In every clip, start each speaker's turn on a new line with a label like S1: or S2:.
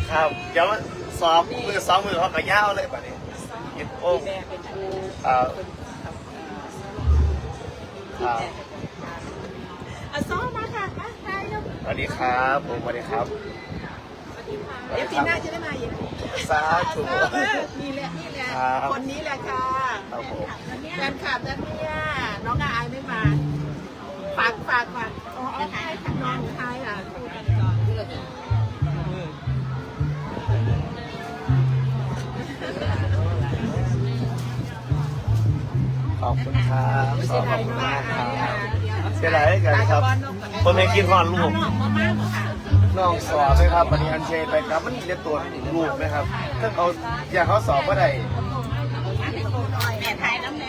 S1: ครับเดี๋ยวสอบมือสองมือเขากระย่าวเลยแบบนี้กินโอ้
S2: ซ้อมมาค่ะมาใครลูก
S1: สวัสดีครับผมสวัสดีครับ
S2: เดี๋ยวปีหน้าจะได้มาอีก
S1: สาธุ
S2: นี่แหละ
S1: ครับ
S2: คนนี้แหละค่ะ
S1: ครับผม
S2: แฟนคลับนะเนี่ยน้องอายไม่มาฝากอ๋อใช่ค่ะน้องไทยอ่ะพูดกันก่อน
S1: ขอบคุณครับขอบคุณมากครับเสียดายกันครับผมไม่กินหอนลูกน้องสอบไหมครับวันนี้อันเชนไปครับมันจะตรวจลูกไหมครับถ้าเขาอยากเขาสอบก็ได้
S2: แม่ไทยน้ำแน่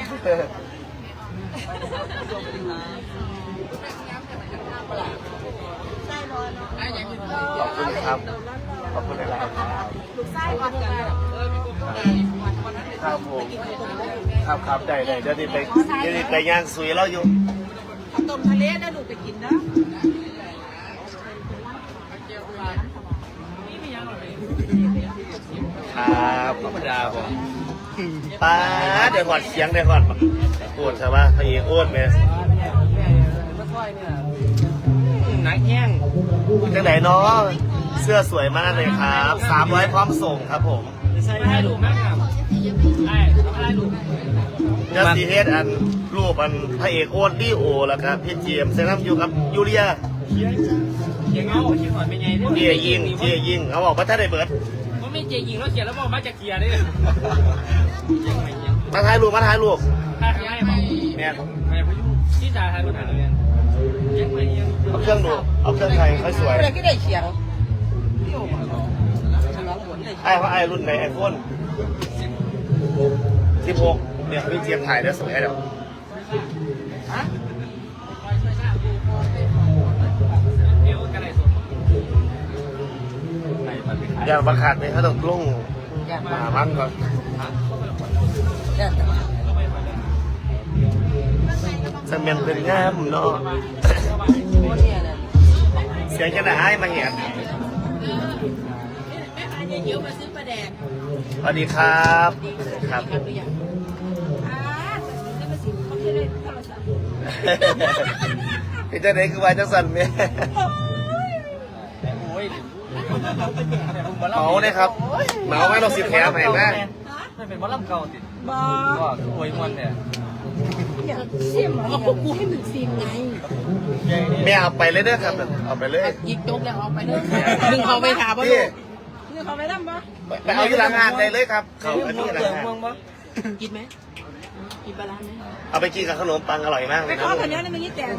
S1: ขอบคุณครับขอบคุณหลายๆครับ
S2: ลูกไส้ก่อนกัน
S1: ครับผมครับได้เดี๋ยวนี้ไปย่างสุยเราอยู่
S2: ข้าวต้มทะเลนะลูกไปกินนะครับ
S1: ธรรมดาผมป้าเดี๋ยวก่อนเสียงเดี๋ยวก่อนปวดใช่ปะพะเอกอ้วนไหมหนักแห้งจังไหนเนาะเสื้อสวยมากเลยครับ300พร้อมส่งครับผม
S3: ใช่ได้ดูมากครับใช่ทำอะไรดู
S1: จัสติเฮดอันรูปอันพระเอกโอ๊ตดีโอแล้วครับพี่เจมส์เซนัมอยู่กับยูเรีย
S3: เขียงเงาเขียงหอนเป็นไง
S1: เจียยิงเขาบอกว่าถ้าได้เบิร์ด
S3: ว่าไม่เจียยิงแล้วเขียนแล้วบอกมาจากเขียนด้วย
S1: มาถ่ายรูป
S3: ถ้าให้บอก
S1: แม่
S3: ไม่พยุที่จ่าไทยมันหาเรียนยังไม่ยัง
S1: เอาเครื่องดูเอาเครื่องไทยค่อยสวย
S2: อะไรก็ได้เขียง
S1: ไอ้รุ่นไหนไอโฟน16เนี่ยพี่เจมส์ถ่ายได้สวยเดี๋ยวอย่าบังคับเลยเขาต้องลงมามันก่อนสมัยเป็นงามเนาะเสียงจะได้ให้มาเห็น
S2: เดี๋ยวมาซื้อปลาแดง
S1: สวัสดีครับครับ
S2: จะมาซื้อเขาจะได้โทรศัพท์
S1: พี่เจ้าไหนคือวายจังสันเมีย
S3: โอ้ย
S1: เมาเนี่ยครับเมาไหมเราสิแถมให้ไหม
S3: ไม่เป็นว่าลำเก่าติด
S2: บ้า
S3: ก็โวยมวนเนี่ย
S2: เสี่ยมเอาพวกกูให้มึงซิมไง
S1: แม่เอาไปเลยเด้อครับเอาไปเลย
S2: ยิงโจ๊กแล้วเอาไปเลยมึงเขาไปถามว่า
S1: พี่
S2: มึงเขาไปทำปะ
S1: ไปเอาอยู่หลังงานได้เลยครับเขาอันนี้หลังงาน
S2: กินไหมกินปลาไหม
S1: เอาไปกินกับขนมปังอร่อยมากเล
S2: ไป
S1: ยค
S2: ข
S1: รั
S2: อบ คนนี้นะมึงยี่แตง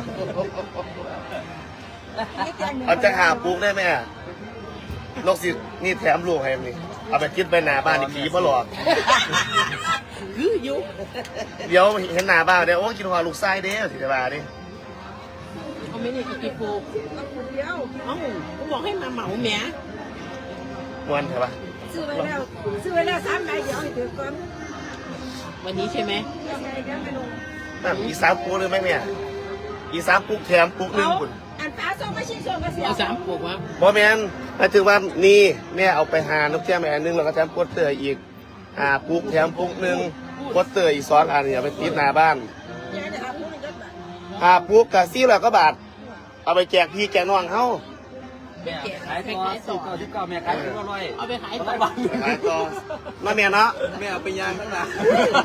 S1: เอาจะหาปุ๊กได้ไหมอะนกสินี่แถมลูกให้นี่เอาไปกินไปหน้าบ้านนี่ผีมาหลอก
S2: คือยุ
S1: เดี๋ยวเห็นหน้าบ้านเดี๋ยวโอ้กินหัวลูกไส้เด้อสิจะมาดิ
S2: เอาไม่ได้กินปูเดียวเอ้ากูบอกให้มาเหมาแหม
S1: ม้วนใช่ปะ
S2: ซื้อไว้แล้ว3 ใบเดี๋ยวให้ถือก่อนวันนี้ใช่ไหม
S1: นั่นอีสามปุ๊กเลยไหมเนี่ยอีสามปุ๊กแถมปุ๊กหนึ่งคุณ
S2: อันฟ้าส่งมาชิ้นส่งก็เสียเอา3 ปุกวะ
S1: บอแมนหมายถึงว่านี่แม่เอาไปหานกแก้วแม่อันนึงแล้วก็แถมโปสเตอร์อีกปุ๊กแถมปุ๊กหนึ่งโปสเตอร์อีก2 อันเนี่ยไปติดหน้าบ้าน
S2: ยายจะเอาปุกนึงก็บาท
S1: ปุ๊กกับ400 กว่าบาทเอาไปแจกพี่แจกน้องเฮา
S3: แม่ขายตัวสูตรที่เก่าแม่ขายตัวอร่อย
S2: เอาไปขายต่อ
S1: ขายต่อมาแม่เนาะ
S3: แม่เอาไปย่างข้างหลัง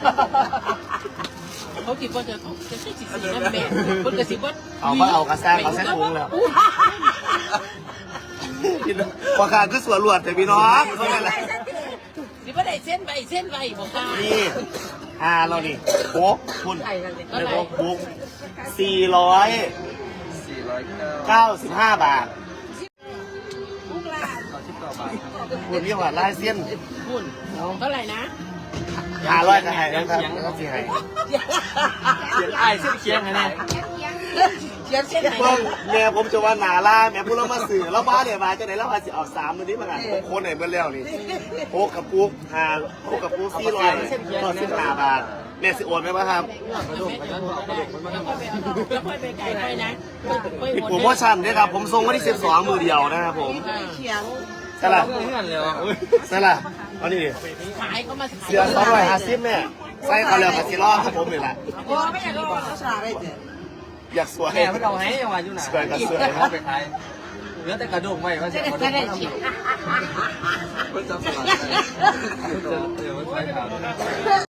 S2: เขาคิดว่าจะใช่14นะแม่คนกระสิบว่า
S1: เอากระซ่างเอาแซ่ปรุงแล้วพอขาดคือสวนรวดแต่พี่น้องเพราะอะไร
S2: สิบ่ได้เส้นใบบอกค่ะ
S1: นี่เรานี่โป๊กคุณเรียกว่าปุ๊ก495 บาท
S2: ปุกละ
S1: คุณนี่ว่าลายเส้น
S2: คุณเท่าไหร่นะ
S1: 500ก็ให้นะครับเขาสิให้
S3: เขียนไอ้เส้นเคียงไงเนี่ย
S2: เขียนเส้นไหน
S1: เพิ่งแม่ผมจะว่าหนาล่าแม่พูดแล้วมาสื่อแล้วบ้าเนี่ยมาจะไหนแล้วอาจจะออก3 มื้อนี้มากันผมโค้ดไหนเมื่อแล้วนี่โป๊กกับปุ๊กโป๊กกับปุ๊ก495 บาทแม่สิโอนไหมวะครับ
S2: แล้วค่อยไปไกลไปนะ
S1: ผิดโปรโมชั่นด้วยครับผมส่งวันที่12 มื้อเดียวนะครับผม
S2: เขียง
S1: ใช่ละ
S3: เพื่อนเลย
S1: ใช่ละเอานี่ดิ
S2: ขายก็มาขาย
S1: เสือ250แม่ใส่เขาแล้วกับสิรอครับผมนี่แหละ
S2: โอ้ไม่อยากรู้เขาฉลาดได้เจ๊
S1: อยากสวย
S3: แม่ไม่เอาให้ยังว่าอยู่ไหน
S1: สวยกับสวย
S3: เขาไปขายเหลือแต่กระดูกไว้ว่าจะ
S2: จะได้ชิม
S3: เพิ่งจะสลัดเดี๋ยวมันใช้ข่าว